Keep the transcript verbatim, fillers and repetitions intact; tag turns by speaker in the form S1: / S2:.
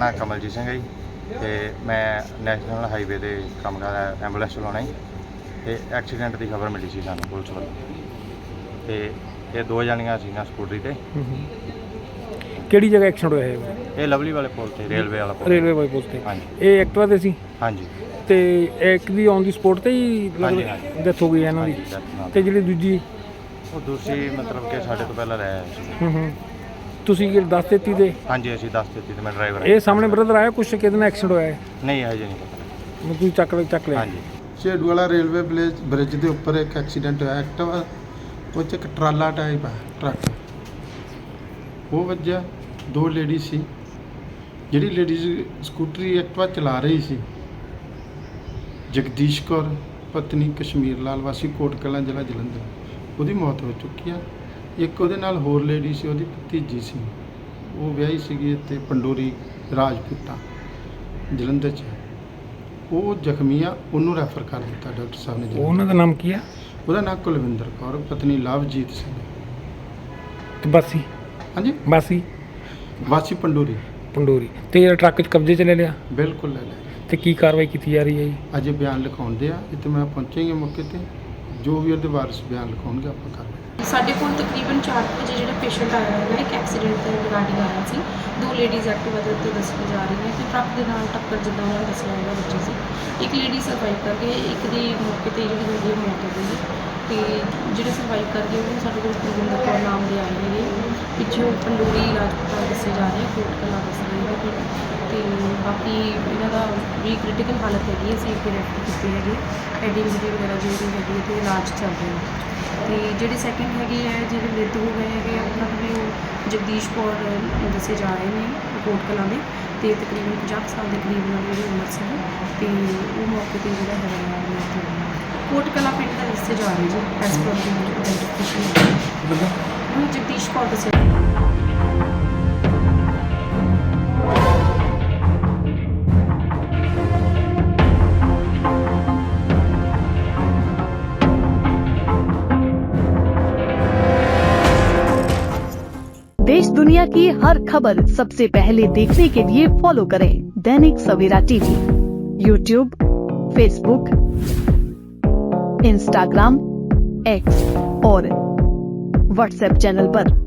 S1: ਨਾਮ ਕਮਲਜੀਤ ਸਿੰਘ ਹੈ ਜੀ ਤੇ ਮੈਂ ਨੈਸ਼ਨਲ ਹਾਈਵੇ ਤੇ ਕੰਮ ਕਰਦਾ, ਐਂਬੂਲੈਂਸ ਚਲਾਉਣਾ ਜੀ। ਤੇ ਐਕਸੀਡੈਂਟ ਦੀ ਖਬਰ ਮਿਲੀ ਸੀ ਸਾਨੂੰ ਪੁਲਿਸ ਵੱਲੋਂ ਤੇ ਇਹ ਦੋ ਜਣੀਆਂ ਸੀਗੀਆਂ ਸਕੂਟਰੀ ਤੇ।
S2: ਕਿਹੜੀ ਜਗ੍ਹਾ ਐਕਸੀਡੈਂਟ ਹੋਇਆ ਹੈ?
S1: ਇਹ ਲਵਲੀ ਵਾਲੇ ਪੁਲ ਤੇ, ਰੇਲਵੇ ਵਾਲਾ ਪੁਲ।
S2: ਰੇਲਵੇ ਵਾਲੇ ਪੁਲ ਤੇ।
S1: ਹਾਂਜੀ।
S2: ਇਹ ਐਕਟਿਵਾ ਤੇ ਸੀ?
S1: ਹਾਂਜੀ।
S2: ਤੇ ਇੱਕ ਦੀ ਔਨ ਦੀ ਸਪੋਟ ਤੇ ਹੀ
S1: ਹਾਂਜੀ,
S2: ਡੈਥ ਹੋ ਗਈ ਹੈ ਇਹਨਾਂ ਦੀ। ਤੇ ਜਿਹੜੀ ਦੂਜੀ
S1: ਉਹ ਦੂਸਰੀ ਮਤਲਬ ਕਿ ਸਾਡੇ ਤੋਂ ਪਹਿਲਾਂ ਰਹਿ ਆਇਆ ਸੀ।
S2: ਹੂੰ ਹੂੰ ਤੁਸੀਂ ਕਿ ਦੱਸ ਦਿੱਤੀ ਤੇ?
S1: ਹਾਂਜੀ, ਅਸੀਂ ਦੱਸ ਦਿੱਤੀ ਤੇ ਮੈਂ ਡਰਾਈਵਰ।
S2: ਇਹ ਸਾਹਮਣੇ ਬ੍ਰਦਰ ਆਇਆ ਕੁਛ ਕਿਹਦੇ ਨਾਲ ਐਕਸੀਡੈਂਟ ਹੋਇਆ ਹੈ?
S1: ਨਹੀਂ, ਹਜੇ ਨਹੀਂ ਪਤਾ।
S2: ਤੁਸੀਂ ਚੱਕ ਲਿਆ ਚੱਕ ਲਿਆ?
S1: ਹਾਂਜੀ।
S3: ਝੇੜੂ ਵਾਲਾ ਰੇਲਵੇ ਬ੍ਰਿਜ ਬ੍ਰਿਜ ਦੇ ਉੱਪਰ ਇੱਕ ਐਕਸੀਡੈਂਟ ਹੋਇਆ ਐਕਟਿਵਾ, ਉਹ 'ਚ ਇੱਕ ਟਰਾਲਾ ਟਾਈਪ ਹੈ ਟਰੱਕ, ਉਹ ਵੱਜਿਆ। ਦੋ ਲੇਡੀ ਸੀ, ਜਿਹੜੀ ਲੇਡੀਜ਼ ਸਕੂਟਰੀ ਐਕਟਿਵਾ ਚਲਾ ਰਹੀ ਸੀ ਜਗਦੀਸ਼ ਕੌਰ ਪਤਨੀ ਕਸ਼ਮੀਰ ਲਾਲ ਵਾਸੀ ਕੋਟ ਕਲਾਂ ਜ਼ਿਲ੍ਹਾ ਜਲੰਧਰ, ਉਹਦੀ ਮੌਤ ਹੋ ਚੁੱਕੀ ਆ। ਇੱਕ ਉਹਦੇ ਨਾਲ ਹੋਰ ਲੇਡੀ ਸੀ, ਉਹਦੀ ਭਤੀਜੀ ਸੀ, ਉਹ ਵਿਆਹੀ ਸੀਗੀ ਇੱਥੇ ਪੰਡੋਰੀ ਰਾਜਪੂਤਾਂ ਜਲੰਧਰ 'ਚ। ਉਹ ਜ਼ਖਮੀ ਆ, ਉਹਨੂੰ ਰੈਫਰ ਕਰ ਦਿੱਤਾ ਡਾਕਟਰ ਸਾਹਿਬ ਨੇ।
S2: ਉਹਨਾਂ ਦਾ ਨਾਮ ਕੀ ਆ?
S3: ਉਹਦਾ ਨਾਮ ਕੁਲਵਿੰਦਰ ਕੌਰ ਪਤਨੀ ਲਵਜੀਤ ਸਿੰਘ।
S2: ਤੇ ਬਾਸੀ?
S3: ਹਾਂਜੀ,
S2: ਬਾਸੀ
S3: ਵਾਸੀ ਪੰਡੋਰੀ।
S2: ਪੰਡੋਰੀ। ਤੇ ਜਿਹੜਾ ਟਰੱਕ 'ਚ ਕਬਜ਼ੇ 'ਚ ਲੈ ਲਿਆ?
S3: ਬਿਲਕੁਲ ਲੈ ਲਿਆ।
S2: ਤੇ ਕੀ ਕਾਰਵਾਈ ਕੀਤੀ ਜਾ ਰਹੀ ਹੈ ਜੀ?
S3: ਅਜੇ ਬਿਆਨ ਲਿਖਾਉਂਦੇ ਆ, ਇੱਥੇ ਮੈਂ ਪਹੁੰਚਾਂਗੇ ਮੌਕੇ ਤੇ, ਜੋ ਵੀ ਉਹਦੇ ਵਾਰਸ ਬਿਆਨ ਲਿਖਾਉਣਗੇ ਆਪਾਂ ਕਰਾਂਗੇ।
S4: ਸਾਡੇ ਕੋਲ ਤਕਰੀਬਨ ਚਾਰ ਵਜੇ ਜਿਹੜਾ ਪੇਸ਼ੈਂਟ ਆਇਆ ਹੋਇਆ ਇੱਕ ਐਕਸੀਡੈਂਟ ਦੇ ਰਿਗਾਰਡਿੰਗ ਆਇਆ ਸੀ। ਦੋ ਲੇਡੀਜ਼ ਐਕਟਿਵਾ ਦੇ ਉੱਤੇ ਦੱਸੀ ਜਾ ਰਹੀਆਂ ਕਿ ਟਰੱਕ ਦੇ ਨਾਲ ਟੱਕਰ ਜਿੱਦਾਂ ਉਹਨਾਂ ਨੇ ਦੱਸਿਆ ਹੋਇਆ ਬੱਚੀ ਸੀ। ਇੱਕ ਲੇਡੀ ਸਰਵਾਈਵ ਕਰ ਗਈ, ਇੱਕ ਦੀ ਮੌਕੇ 'ਤੇ ਜਿਹੜੀ ਹੋਈ ਹੈ ਮੌਤ ਹੋ ਗਈ। ਅਤੇ ਜਿਹੜੇ ਸਰਵਾਈਵ ਕਰ ਗਏ ਉਹ ਸਾਡੇ ਕੋਲ ਕੁਲਵਿੰਦਰ ਕੌਰ ਨਾਮ ਦੇ ਆਏ ਹੈਗੇ, ਪਿੱਛੋਂ ਪੰਡੋਰੀ ਰਾਜਪੂਤਾਂ ਦੱਸੇ ਜਾ ਰਹੇ, ਕੋਟ ਕਲਾਂ ਦੱਸ ਰਹੇ ਹੈਗੇ। ਅਤੇ ਬਾਕੀ ਇਹਨਾਂ ਦਾ ਵੀ ਕ੍ਰਿਟੀਕਲ ਹਾਲਤ ਹੈਗੀ, ਅਸੀਂ ਇੱਥੇ ਰੈਫਰ ਕੀਤੇ ਹੈਗੇ, ਹੈਡ ਇੰਜਰੀ ਵਗੈਰਾ ਜੋ ਵੀ ਹੈਗੀ ਅਤੇ ਇਲਾਜ ਚੱਲ ਰਿਹਾ। ਅਤੇ ਜਿਹੜੇ ਸੈਕਿੰਡ ਹੈਗੇ ਹੈ ਜਿਹੜੇ ਮ੍ਰਿਤ ਹੋ ਗਏ ਹੈਗੇ ਆ ਉਹਨਾਂ ਨੂੰ ਵੀ ਉਹ ਜਗਦੀਸ਼ ਕੌਰ ਦੱਸੇ ਜਾ ਰਹੇ ਨੇ ਕੋਟ ਕਲਾਂ ਦੇ, ਅਤੇ ਤਕਰੀਬਨ ਪੰਜਾਹ ਸਾਲ ਦੇ ਕਰੀਬ ਉਹਨਾਂ ਦੀ ਜਿਹੜੀ ਉਮਰ ਸੀ। ਅਤੇ ਉਹ ਮੌਕੇ 'ਤੇ ਜਿਹੜਾ ਹੈਗਾ ਮ੍ਰਿਤ ਹੋ ਗਿਆ। ਕੋਟ ਕਲਾਂ ਪਿੰਡ ਦਾ ਦੱਸੇ ਜਾ ਰਹੇ ਜੀ ਐਸ ਪਰ ਦੀ ਆਈਡੈਂਟੀਫਿਕੇਸ਼ਨ ਉਹਨੂੰ ਜਗਦੀਸ਼ ਕੌਰ ਦੱਸਿਆ।
S5: देश दुनिया की हर खबर सबसे पहले देखने के लिए फॉलो करें Dainik Savera TV, YouTube, Facebook, Instagram, X और व्हाट्सएप चैनल पर।